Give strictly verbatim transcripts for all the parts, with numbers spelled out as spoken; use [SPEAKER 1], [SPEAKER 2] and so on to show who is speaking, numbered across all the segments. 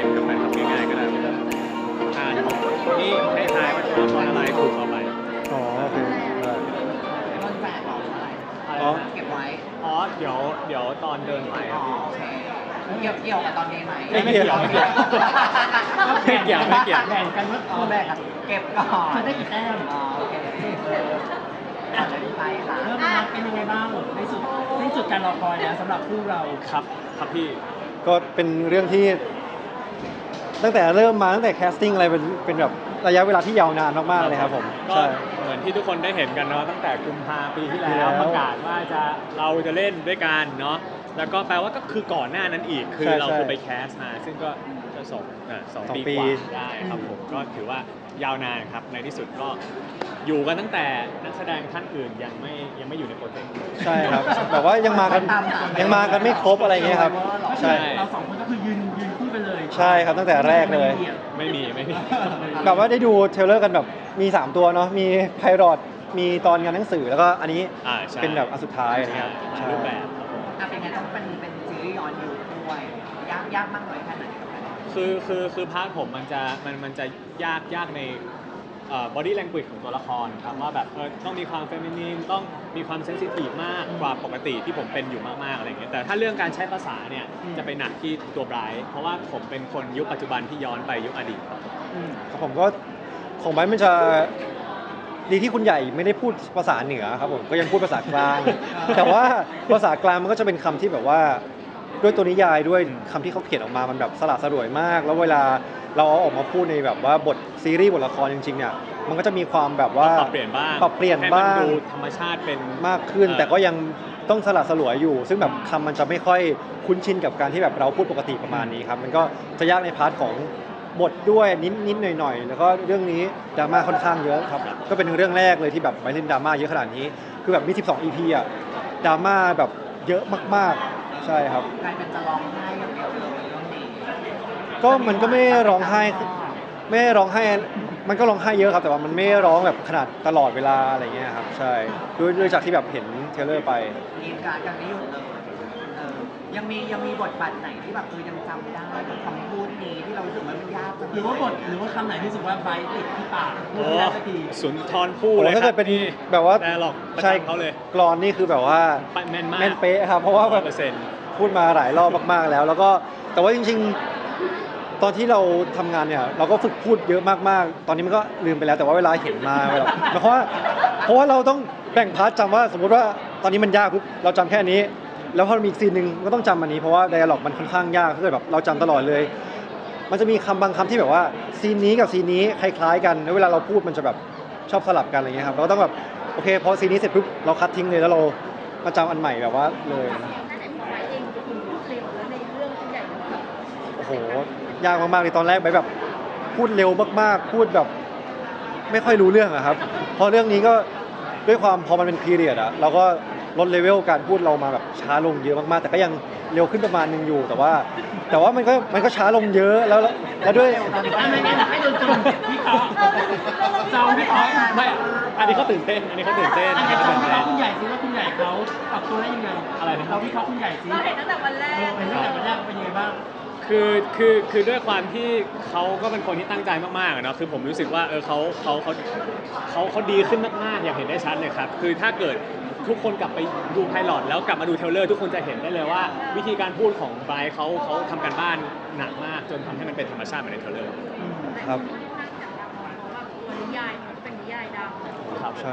[SPEAKER 1] นกับแฟนคลับง่ายๆก็ได้แบบอ่านนี่ให้ทายว่าตัวละครอะไรถูกเอาไป
[SPEAKER 2] อ๋อโอเคได้
[SPEAKER 3] ต้นแฝดของอะไร
[SPEAKER 1] อะไร
[SPEAKER 2] อ๋อ
[SPEAKER 1] นะ
[SPEAKER 3] เก็บไว้
[SPEAKER 1] อ๋อเดี๋ยวเดี๋ยวตอนเดินไปค
[SPEAKER 3] อ๋
[SPEAKER 1] รั
[SPEAKER 3] อบ
[SPEAKER 1] พี่
[SPEAKER 3] โอเคเกี่ยวเกี่ยวกับตอนนี้ไหม
[SPEAKER 1] ไม่เกี่ยวไม่เกี่ยว ไม่เกี่ยวไม่เกี่ยว
[SPEAKER 4] แบ่งกันว่า
[SPEAKER 3] อ๋อแบกเก็บก่อน
[SPEAKER 4] จะได้กี่แต้ม
[SPEAKER 3] อ๋อโอเคอ่ะไปค่ะ
[SPEAKER 4] เริ่มนับเป็นยังไงบ้างในสุดในสุดการรอคอยนะสำหรับคู่เรา
[SPEAKER 1] ครับครับพี่
[SPEAKER 2] ก็เป็นเรื่องที่ตั้งแต่เริ่มมาตั้งแต่แคสติ้งอะไรเป็นเป็นแบบระยะเวลาที่ยาวนานมากๆเลยครับผม
[SPEAKER 1] ก็
[SPEAKER 2] ใช่
[SPEAKER 1] เหมือนที่ทุกคนได้เห็นกันเนาะตั้งแต่กุมภาปีที่
[SPEAKER 2] ปี
[SPEAKER 1] แล้ว
[SPEAKER 2] แล้ว
[SPEAKER 1] ประกาศว่าจะเราจะเล่นด้วยกันเนาะแล้วก็แปลว่าก็คือก่อนหน้านั้นอีกคือ
[SPEAKER 2] ใช่
[SPEAKER 1] เรา
[SPEAKER 2] ใช่
[SPEAKER 1] คือไปแคสมาซึ่งก็จะสองอ่ะสอง
[SPEAKER 2] สอง
[SPEAKER 1] ปี
[SPEAKER 2] ปี
[SPEAKER 1] กว่าได้ครับผมก็ถือว่ายาวนานครับในที่สุดก็อยู่กันตั้งแต่นักแสดงท่านอื่นยังไม่ยังไม่อยู่ในโปรเจกต์เลย
[SPEAKER 2] ใช่ครับแบบว่ายังมากันยังมากันไม่ครบอะไรเงี้ยครับ
[SPEAKER 4] ก็คือ
[SPEAKER 2] ใช่
[SPEAKER 4] เราสองคนก็คือยืนยืนคู่กันเลย
[SPEAKER 2] ใช่ครับตั้งแต่แรกเลย
[SPEAKER 1] ไม่มีไม่มี
[SPEAKER 2] แบบว่าได้ดูเทรลเลอร์กันแบบมีสามตัวเนาะมีไพรอตมีตอนงานหนังสือแล้วก็อันนี้
[SPEAKER 1] อ่าใช่
[SPEAKER 2] เป็นแบบอันสุดท้ายอะไรเงี้ย
[SPEAKER 1] ใช่
[SPEAKER 2] ใช่
[SPEAKER 1] รูปแบบครับผม
[SPEAKER 3] อ่ะเป็นไงต้องเป็นเป็นซีรีส์ย้อนยุคด้วยยากยากมากน้อยแค่ไหนกับมัน
[SPEAKER 1] คือคือคือพาร์ทผมมันจะมันมันจะยากยากในเอ่อ body language ของตัวละครครับว่าแบบเออต้องมีความเฟมินีนต้องมีความเซนซิทีฟมากกว่าปกติที่ผมเป็นอยู่มากๆอะไรอย่างเงี้ยแต่ถ้าเรื่องการใช้ภาษาเนี่ยจะไปหนักที่ตัวไบรท์เพราะว่าผมเป็นคนยุคปัจจุบันที่ย้อนไปยุคอดีตครับ
[SPEAKER 2] ครับผมก็ของไบร์ทมันจะดีที่คุณใหญ่ไม่ได้พูดภาษาเหนือครับผมก็ยังพูดภาษากลาง แต่ว่าภาษากลางมันก็จะเป็นคำที่แบบว่าด้วยตัวนิยายด้วยคำที่เขาเขียนออกมามันแบบสละสลวยมาก แล้วเวลาเราเอาออกมาพูดในแบบว่าบทซีรีส์บทละครจริงๆเนี่ยมันก็จะมีความแบบว่า
[SPEAKER 1] ปรับเปลี่ยนบ้าง
[SPEAKER 2] ปรับเปลี่ยน
[SPEAKER 1] ให้
[SPEAKER 2] บ้าง
[SPEAKER 1] มันดูธรรมชาติเป็น
[SPEAKER 2] มากขึ้น
[SPEAKER 1] เอ่อ
[SPEAKER 2] แต่ก็ยังต้องสละสลวยอยู่ ซึ่งแบบคำมันจะไม่ค่อยคุ้นชินกับการที่แบบเราพูดปกติประมาณนี้ครับมันก็จะยากในพาร์ทของบทด้วยนิดนิดหน่อยหน่อยๆแล้วก็เรื่องนี้ดราม่าค่อนข้างเยอะครับก็เป็นเรื่องแรกเลยที่แบบไปเล่นดราม่าเยอะขนาดนี้คือแบบมีสิบสอง อี พี อ่ะดราม่าแบบเยอะมากๆใช่ครับ
[SPEAKER 3] กลายเป็นจะร้องไห้อย่างเดียวเลยเรื่องนี้
[SPEAKER 2] ก็มันก็ไม่ได้ร้องไห้ไม่ได้ร้องไห้มันก็ร้องไห้เยอะครับแต่ว่ามันไม่ได้ร้องแบบขนาดตลอดเวลาอะไรเงี้ยครับใช่ด้วยด้วยจากที่แบบเห็นเทรลเลอร์ไป
[SPEAKER 3] ทีมการกันไม่หยุดเลยเออยังมียังมีบทบาทไหนที่แบบเออยังจำได้กับคำพูดนี้ที่เรารู้สึกว่ามันยากจัง
[SPEAKER 4] หรือว่าบทหรือว่าคำไหนที่รู้สึกว่าไบร์ทติดที่ปากพูด
[SPEAKER 1] โอ้
[SPEAKER 4] ไม่ได้สักที
[SPEAKER 1] สุนทรภู่
[SPEAKER 2] โอ้
[SPEAKER 1] เลย
[SPEAKER 2] ถ้า
[SPEAKER 1] ครั
[SPEAKER 2] เกิดเป็นแบบว่า
[SPEAKER 1] แต่หรอกประ
[SPEAKER 2] ใช่
[SPEAKER 1] จำเขาเลย
[SPEAKER 2] กรอนนี่คือแบบว่า
[SPEAKER 1] แม่นมาก
[SPEAKER 2] แม่นเป๊ะครับเพราะว่าแบบ
[SPEAKER 1] เปอร์เซ็นต์ พู
[SPEAKER 2] พูดมาหลายรอบมากๆแล้ว แล้วก็แต่ว่าจริงๆ ตอนที่เราทำงานเนี่ยเราก็ฝึกพูดเยอะมากๆ ตอนนี้มันก็ลืมไปแล้วแต่ว่าเวลาเห็นมาแบบเพราะว่าเพราะว่าเราต้องแบ่งพาร์ทจำว่าสมมุติว่าตอนนี้มันยากปุ๊บเราจำแค่นี้ แล้วพอมีอีกซีนหนึ่งก็ต้องจำอันนี้เพราะว่าไดอะล็อกมันค่อนข้างยากถ้าเกิดแบบเราจำตลอดเลย มันจะมีคำบางคำที่แบบว่าซีนนี้กับซีนนี้คล้ายๆกันแล้วเวลาเราพูดมันจะแบบชอบสลับกันอะไรเงี้ยครับเราก็ต้องแบบโอเคพอซีนนี้เสร็จปุ๊บเราคัดทิ้งเลยแล้วเรามาจำอันใหม่แบบว่าเลย
[SPEAKER 5] นั่นแหละพอไว้เองคุณพูดเร็วแล้วในเรื่องคุณใหญ่มันแบบ
[SPEAKER 2] โอ้โหยากมากๆเลยตอนแรกไปแบบพูดเร็วมากๆ พูดแบบไม่ค่อยรู้เรื่องอะครับพอเรื่องนี้ก็ด้วยความพอมันเป็นพีเรียดอะเราก็ลดเลเวลการพูดเรามาแบบช้าลงเยอะมากๆ แต่ก็ยังเร็วขึ้นประมาณนึงอยู่แต่ว่า แต่ว่ามันก็มันก็ช้าลงเยอะแล้วแล้วด้วย
[SPEAKER 4] ไม่ไม่ไม่ให้โดนจุ่มพี่เขาจองพี่เขา
[SPEAKER 1] ไม่ อันนี้เขาตื่นเต้น อันนี้เขาตื่นเต้น
[SPEAKER 4] อั
[SPEAKER 1] อั
[SPEAKER 4] น
[SPEAKER 1] น
[SPEAKER 4] นี้
[SPEAKER 1] นี้
[SPEAKER 4] จ
[SPEAKER 1] เขา
[SPEAKER 4] อง
[SPEAKER 1] ตื่น
[SPEAKER 4] พี่
[SPEAKER 1] เต้
[SPEAKER 4] เขา
[SPEAKER 1] น
[SPEAKER 4] คุณใหญ่ซิว่าคุณใหญ่เขาปรับตัวได้ยังไง
[SPEAKER 1] อะไรนะ
[SPEAKER 4] เราพี่เขาคุณใหญ่ซิ
[SPEAKER 5] เราเห็นตั้งแต่วันแร
[SPEAKER 4] เอก อเป็นตั้งแต่วันแรกเป็นยังไงบ้าง
[SPEAKER 1] คือคือคือด้วยความที่เขาก็เป็นคนที่ตั้งใจมากๆอะเนาะคือผมรู้สึกว่าเออเขาเขาเขาเขาเขาดีขึ้นมากๆอย่างเห็นได้ชัดเลยครับคือถ้าเกิดทุกคนกลับไปดูไพลอตแล้วกลับมาดูเทรลเลอร์ทุกคนจะเห็นได้เลยว่า วิธีการพูดของไบรท์เขาเขาทำการบ้านหนักมากจนทำให้มันเป็นธรรมชาติเหมือนในเทรลเลอร์
[SPEAKER 2] ครับ
[SPEAKER 5] เพราะว่าตัวนิยายมันเป็นนิยายดัง
[SPEAKER 1] ครับ
[SPEAKER 2] ใช่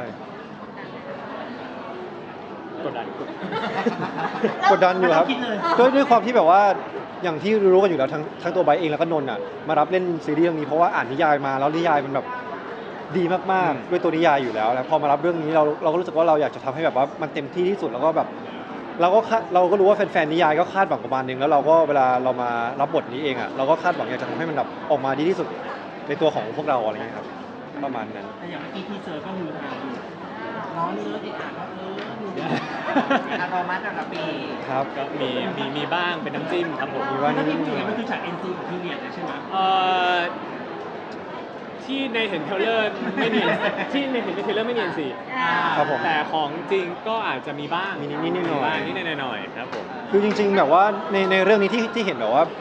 [SPEAKER 1] กดดัน
[SPEAKER 2] กดดันอยู่ครับ
[SPEAKER 4] ไม่ต้องคิดเลย
[SPEAKER 2] ด้วยด้วยความที่แบบว่าอย่างที่รู้กันอยู่แล้วทั้งทั้งตัวไบร์ทเองแล้วก็นนท์อ่ะมารับเล่นซีรีส์เรื่องนี้เพราะว่าอ่านนิยายมาแล้วนิยายมันแบบดีมากๆด้วยตัวนิยายอยู่แล้วแล้วพอมารับเรื่องนี้เราเราก็รู้สึกว่าเราอยากจะทำให้แบบว่ามันเต็มที่ที่สุดแล้วก็แบบ เราก็คาดเราก็รู้ว่าแฟนๆนิยายก็คาดหวังประมาณนึงแล้วเราก็เวลาเรามารับบทนี้เองอ่ะเราก็คาดหวังอยากจะทำให้มันแบบออกมาดีที่สุดในตัวของพวกเราอะไรเงี้ยครับประมาณนั้น
[SPEAKER 4] แต่อย่างเมื่อกี้ทีเซอร์ก็มือฮาอยู่น้องเนื้อติดอ่านว่าเออดูดี
[SPEAKER 3] อารมัสระปี
[SPEAKER 2] ครับ
[SPEAKER 1] ก็มีมีมีบ้างเป็นน้ำจิ้มครับผม
[SPEAKER 2] มีบ้าง
[SPEAKER 4] ถ้าพี่พูดอย่างนี้มันคือฉาก เอ็น ซี ของพีเรียดเลยใช่ไหม
[SPEAKER 1] เอ่อที่ในเห็นเทรลเลอร์ไม่เนียนที่ในเห็นในเทรลเลอร์ไม่เนียนสิ
[SPEAKER 2] ครับผม
[SPEAKER 1] แต่ของจริงก็อาจจะมีบ้าง
[SPEAKER 2] มีนิดๆหน่อยๆ
[SPEAKER 1] บ้างนิดๆหน่อยๆครับผม
[SPEAKER 2] คือจริงๆแบบว่าในในเรื่องนี้ที่ที่เห็นแบบว่า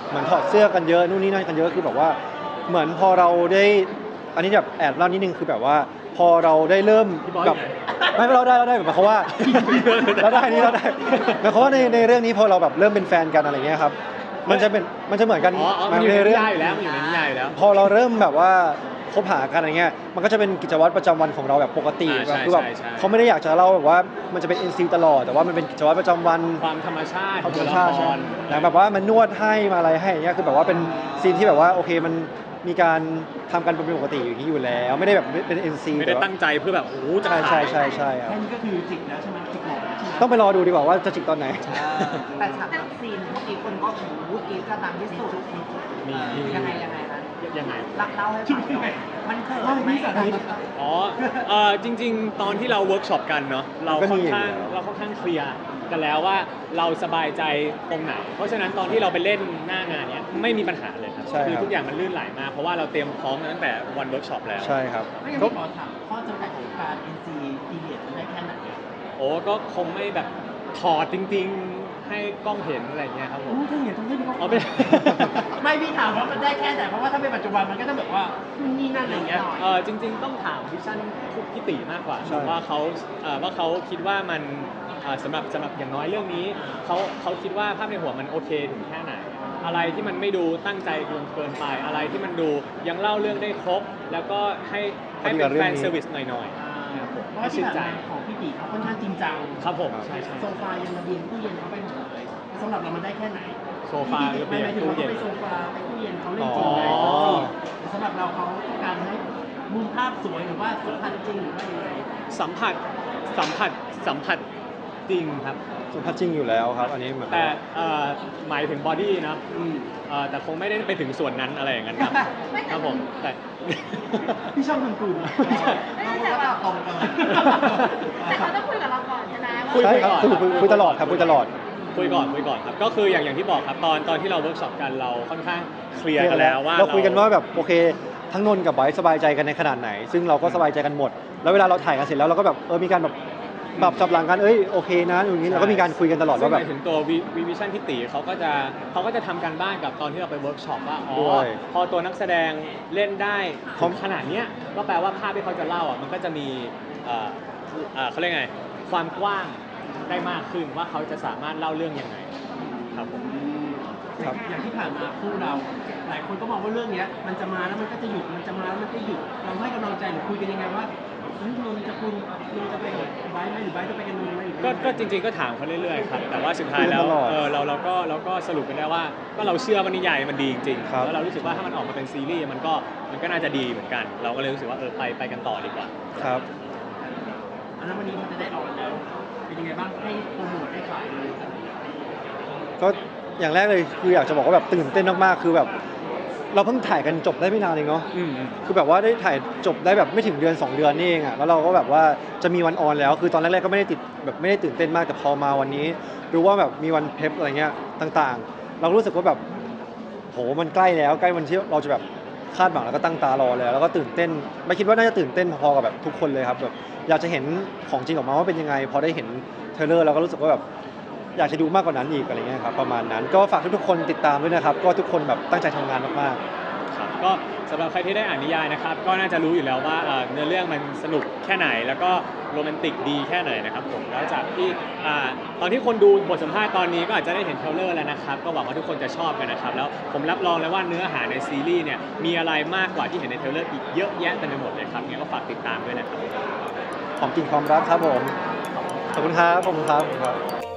[SPEAKER 2] เหมือนถอดเสื้อกันเยอะนู่นนี่นั่นกันเยอะคือแบบว่าเหมือนพอเราได้อันนี้แบบแอบเล่านิดนึงคือแบบว่า พอเราได้เริ่มแบบไม่เราได้เราได้แบบหมายความว่า เราได้นี่เราได้หมายความว่าในในเรื่องนี้พอเราแบบเริ่มเป็นแฟนกันอะไรเงี้ยครับมันจะเป็นมันจะเหมือนกัน
[SPEAKER 1] อ๋ออ๋อมันอยู่ในนิยายอยู่แล้วมันอยู่ในนิยายอยู่แล้ว
[SPEAKER 2] พอเราเริ่มแบบว่าคบหากันอะไรเงี้ยมันก็จะเป็นกิจวัตรประจำวันของเราแบบปกติ
[SPEAKER 1] อ่าใช่
[SPEAKER 2] คือแบบ
[SPEAKER 1] ใช่ใช่
[SPEAKER 2] เขาไม่ได้อยากจะเล่าแบบว่ามันจะเป็น เอ็น ซี ตลอดแต่ว่ามันเป็นกิจวัตรประจำวัน
[SPEAKER 1] ความธรรมชาติ
[SPEAKER 2] เขา
[SPEAKER 1] ข
[SPEAKER 2] ธ
[SPEAKER 1] อ
[SPEAKER 2] รง รม
[SPEAKER 1] ตัว
[SPEAKER 2] ชา
[SPEAKER 1] ละ
[SPEAKER 2] ติ
[SPEAKER 1] ค
[SPEAKER 2] ใช่
[SPEAKER 1] ร
[SPEAKER 2] แล้วแบบว่ามันนวดให้มาอะไรให้อย่างเงี้ยคือแบบว่าเป็นซีนที่แบบว่าโอเคมันมีการทำกันเป็นปกติอย่างนี้อยู่แล้ว ไม่ได้แบบเป็น เอ็น ซี
[SPEAKER 1] ไม่ได้ตั้งใจเพื่อแบบโอ้โหจะ
[SPEAKER 2] ใช่
[SPEAKER 1] ขาย
[SPEAKER 2] ใช่ใช่ใช่ครับ
[SPEAKER 4] แค่นี้ก็คือจิกแล้วใช่ไหมจิกหมดแล้วใช่ไหม
[SPEAKER 2] ต้องไปรอดูดีกว่าว่าจะจิกตอนไหน
[SPEAKER 3] เออแต่ฉากรักซีนเมื่อกี้คนก็โอ้โหกรี๊ดกันดังที่สุด
[SPEAKER 1] มี
[SPEAKER 3] เออ
[SPEAKER 1] มี
[SPEAKER 3] ยังไงยังไงนะ
[SPEAKER 1] ยังไง
[SPEAKER 3] รักเล่าให้ฟังหน่อยมันเขินไหม
[SPEAKER 1] อ๋อเออจริง ๆ ตอนที่เราเวิร์กช็อปกันเนาะเรา
[SPEAKER 2] ก็
[SPEAKER 1] ค่
[SPEAKER 2] มี
[SPEAKER 1] อนข้าง
[SPEAKER 2] อยู่แล้ว
[SPEAKER 1] เราค่อนข้างเคลียร์กันแล้วว่าเราสบายใจตรงไหน เพราะฉะนั้นตอนที่เราไปเล่นหน้างานเนี้ยไม่มีปัญหาเลยครับ
[SPEAKER 2] ใช่
[SPEAKER 1] คือ
[SPEAKER 2] ครับ
[SPEAKER 1] ทุกอย่างมันลื่นไหลมากเพราะว่าเราเตรียมพร้อมกันตั้งแต่วันเวิร์กช็อปแล้ว
[SPEAKER 2] ใช่ครับ
[SPEAKER 4] ไม่งั้น
[SPEAKER 2] ก็
[SPEAKER 4] พี่ขอถามข้อจำกัดของการ เอ็น ซี period มันได้แค่ไหนอะ
[SPEAKER 1] โอ้ก็คงไม่แบบถอดจริง ๆ ให้กล้องเห็นอะไรเงี้ยครับผม
[SPEAKER 4] โอ้ถ้าอย่างนั้นต้องให้พี่เขา
[SPEAKER 1] เอาไม่
[SPEAKER 4] ไม่พี่ถามว่ามันได้แค่ไหนเพราะว่าถ้าเป็นปัจจุบันมันก็จะแบบว่านู่นนี่นั่นอะไรอย่างเงี้ย
[SPEAKER 1] เออจริง ๆ ต้องถามวิชั่นพี่ติมากกว่า
[SPEAKER 2] ใช่
[SPEAKER 1] ว่าเขาเอ่อว่าเขาคิดว่ามันเอ่อสำหรับสำหรับอย่างน้อยเรื่องนี้เขาเขาคิดว่าภาพในหัวมันโอเคถึงแค่ไหน อะไรที่มันไม่ดูตั้งใจเกินเกินไป อะไรที่มันดูยังเล่าเรื่องได้ครบ แล้วก็ให้ให้เป็นแฟนเซอร์วิสหน่อยๆครับผม
[SPEAKER 4] เพราะ
[SPEAKER 1] ให้
[SPEAKER 4] ว่าที่
[SPEAKER 1] ชื่น
[SPEAKER 4] ผ่าน
[SPEAKER 1] ใจ
[SPEAKER 4] มาของพี่ตีเขาค่อนข้างจริงจัง
[SPEAKER 1] ครับผมใช่ใช่
[SPEAKER 4] โซฟายังระเบียงตู้เย็นเขาไปหมดเลยสำหรับเรามันได้แค่ไหน
[SPEAKER 1] โซฟาระเบียง
[SPEAKER 4] ไม่หมายถึง
[SPEAKER 1] ตู้
[SPEAKER 4] ว่า
[SPEAKER 1] เย็
[SPEAKER 4] เขา
[SPEAKER 1] น
[SPEAKER 4] ไปโซฟาไปตู้เย็นเขาเล่นจริงไง
[SPEAKER 1] อ๋อ
[SPEAKER 4] แต่สำหรับเราเขาต้องการให้มุมภาพสวยหรือว่าสัมผัสจริงหรือว่ายังไง
[SPEAKER 1] สัมผัสสัมผัสสัมผัสจริงครับ
[SPEAKER 2] สุภาพจริงอยู่แล้วครับ อันนี้เหมือน
[SPEAKER 1] แต่เอ่อหมายถึงบอดี้นะเอ่อแต่คงไม่ได้ไปถึงส่วนนั้นอะไรอย่างนั้นครับครับผมแต่
[SPEAKER 4] พี่ชอบทำกลุ่ม
[SPEAKER 3] เราก็ตอบตรงกัน
[SPEAKER 5] แต่เขาต้องคุยกับเราก่อนใช่ไหมว่า
[SPEAKER 1] คุย
[SPEAKER 2] ใช่ครับ
[SPEAKER 1] ก่อน
[SPEAKER 2] คุยคุยคุยตลอดครับคุยตลอด
[SPEAKER 1] คุยก่อนคุยก่อนครับก็คืออย่างอย่างที่บอกครับตอนตอนที่เราเวิร์กช็อปกันเราค่อนข้างเคลียร์กันแล้วว่า
[SPEAKER 2] เราคุยกันว่าแบบโอเค ทั้งนนท์กับไบร์ทสบายใจกันในขนาดไหน ซึ่งเราก็สบายใจกันหมด แล้วเวลาเราถ่ายกันเสร็จแล้วเราก็แบบเออมีการแบบปรับจับหลังกันเอ้ยโอเคนะอย่างนี้เราก็มีการคุยกันตลอด
[SPEAKER 1] ซึ่ง
[SPEAKER 2] ว่า
[SPEAKER 1] ห
[SPEAKER 2] แบบ
[SPEAKER 1] มายถึงตัววีวิชั่นพี่ตีเขาก็จะเขาก็จะทำการบ้านกับตอนที่เราไปเวิร์กช็อปว่าอ๋อ
[SPEAKER 2] ด้วย
[SPEAKER 1] พอตัวนักแสดงเล่นได้
[SPEAKER 2] เขา
[SPEAKER 1] ขนาดเนี้ยก็แปลว่าภาพที่เขาจะเล่าอ่ะมันก็จะมีเอ่อเอ่อเขาเรียกไงความกว้างได้มากขึ้นว่าเขาจะสามารถเล่าเรื่องยังไงครับผม
[SPEAKER 2] ครับ
[SPEAKER 4] อย่างที่ผ่านมาคู่เรา หลายคนก็มองว่าเรื่องเนี้ยมันจะมาแล้วมันก็จะหยุดมันจะมาแล้วมันก็หยุดเราให้กำลังใจหรือคุยกันยังไงว่าเฮ้ยนนท์จะคุณนนท์จะไปกับไบร์ทไหมหรือไบร์ทจะไปกับนนท์ไหมหรือ
[SPEAKER 1] ก็ก็จริงๆก็ถามเขาเรื่อยๆครับแต่ว่าสุดท้ายแล้ว
[SPEAKER 2] คุยกันตลอด
[SPEAKER 1] เออเราเราก็เราก็สรุปกันได้ว่าก็เราเชื่อว่านิยายมันดีจริงๆ
[SPEAKER 2] ครับ
[SPEAKER 1] แล้วเรารู้สึกว่าถ้ามันออกมาเป็นซีรีส์มันก็มันก็น่าจะดีเหมือนกัน เราก็เลยรู้สึกว่าเออไปไปกันต่อดีกว่า
[SPEAKER 2] ครับ
[SPEAKER 4] อันนั้นวันนี้มันจะได้ออนแล้ว เป็นยังไงบ้างให้โปรโมทให้ขายเลย
[SPEAKER 2] ก็อย่างแรกเลยคืออยากจะบอกว่าแบบตื่นเต้นมากๆคือแบบ เราเพิ่งถ่ายกันจบได้ไม่นานเองเนาะ
[SPEAKER 1] อืม
[SPEAKER 2] คือแบบว่าได้ถ่ายจบได้แบบไม่ถึงเดือนสองเดือนนี่เองอะแล้วเราก็แบบว่าจะมีวันออนแล้ว คือตอนแรกๆก็ไม่ได้ติดแบบไม่ได้ตื่นเต้นมากแต่พอมาวันนี้รู้ว่าแบบมีวันเพลฟอะไรเงี้ยต่างๆ เรารู้สึกว่าแบบโหมันใกล้แล้วใกล้วันที่เราจะแบบคาดหวังแล้วก็ตั้งตารอแล้วแล้วก็ตื่นเต้นไม่คิดว่าน่าจะตื่นเต้นพอๆกับแบบทุกคนเลยครับแบบอยากจะเห็นของจริงออกมาว่าเป็นยังไง พอได้เห็นเทรลเลอร์เราก็รู้สึกว่าแบบอยากจะดูมากกว่านั้นอีกอะไรเงี้ยครับประมาณนั้นก็ฝากทุกๆคนติดตามด้วยนะครับก็ทุกคนแบบตั้งใจทำงานมากๆ
[SPEAKER 1] ครับก็สำหรับใครที่ได้อ่านนิยายนะครับก็น่าจะรู้อยู่แล้วว่าเอ่อเนื้อเรื่องมันสนุกแค่ไหน แล้วก็โรแมนติกดีแค่ไหนนะครับผมแล้วจากที่อ่าตอนที่คนดูบทสัมภาษณ์ตอนนี้ก็อาจจะได้เห็นเทรลเลอร์แล้วนะครับก็หวังว่าทุกคนจะชอบกันนะครับแล้วผมรับรองเลยว่าเนื้อหาในซีรีส์เนี่ยมีอะไรมากกว่าที่เห็นในเทรลเลอร์อีกเยอะแยะเต็มไปหมดเลยครับงั้นก็ฝากติดตามด้วยนะครับ
[SPEAKER 2] ของจริงความรักครับผม ขอบคุณครับ ขอบคุณครับขอบคุณครับ